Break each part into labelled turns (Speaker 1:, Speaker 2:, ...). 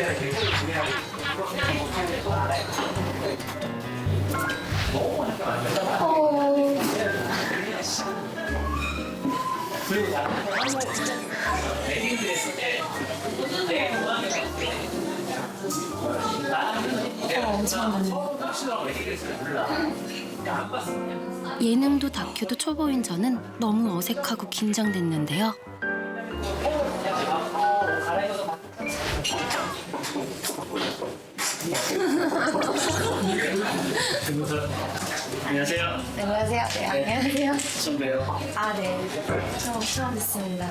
Speaker 1: 예능도 다큐도 초보인 저는 너무 어색하고 긴장됐는데요.
Speaker 2: 안녕하세요.
Speaker 3: 네, 안녕하세요. 네, 안녕하세요.
Speaker 2: 처음 봬요.
Speaker 3: 아, 네. 처음 뵙습니다.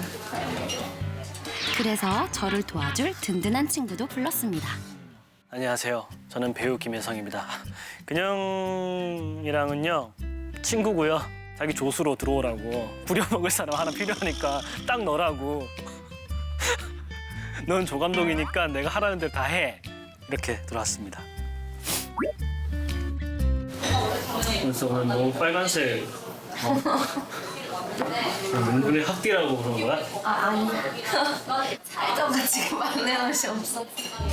Speaker 1: 그래서 저를 도와줄 든든한 친구도 불렀습니다.
Speaker 2: 안녕하세요. 저는 배우 김혜성입니다. 근영이랑은요 친구고요. 자기 조수로 들어오라고 부려먹을 사람 하나 필요하니까 딱 너라고. 넌 조감독이니까 내가 하라는 대로 다 해. 이렇게 들어왔습니다. 그래서 오늘 너무 빨간색. 눈에 학디라고 그런 거야?
Speaker 3: 아, 아니. 살쪄가 지금 막내 옷이 없어.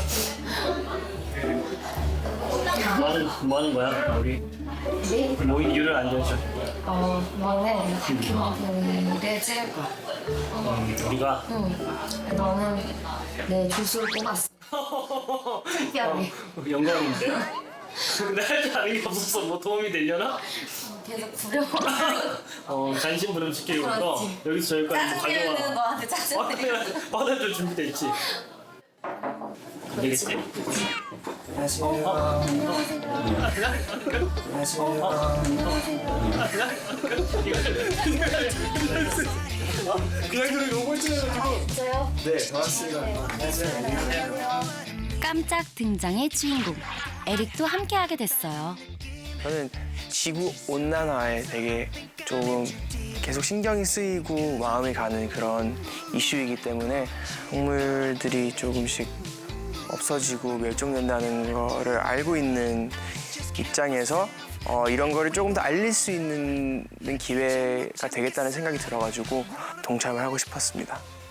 Speaker 2: 뭐 하는 거야, 우리? 뭐 이유를 안 줘줘.
Speaker 3: 너는 미래 찍을 거야.
Speaker 2: 우리가
Speaker 3: 너는 내 조수를 뽑았어. 특별히.
Speaker 2: 영광인데? 근데 할 줄 아는 게 없어서 뭐 도움이 되려나?
Speaker 3: 계속 부려먹어.
Speaker 2: 잔심부름 시키려고
Speaker 3: 그렇지.
Speaker 2: 여기서 저기까지
Speaker 3: 짜증 내는
Speaker 2: 가져와.
Speaker 3: 너한테 짜증 내는
Speaker 2: 받아줄 준비돼 있지? 되겠지?
Speaker 4: 그냥 들으면 너무 꼴찌해가지고.
Speaker 3: 진짜요?
Speaker 4: 네, 반갑습니다.
Speaker 1: 깜짝 등장의 주인공 에릭도 함께하게 됐어요.
Speaker 5: 저는 지구 온난화에 되게 조금 계속 신경이 쓰이고 마음이 가는 그런 이슈이기 때문에 동물들이 조금씩 없어지고 멸종된다는 거를 알고 있는 입장에서 이런 거를 조금 더 알릴 수 있는 기회가 되겠다는 생각이 들어가지고 동참을 하고 싶었습니다.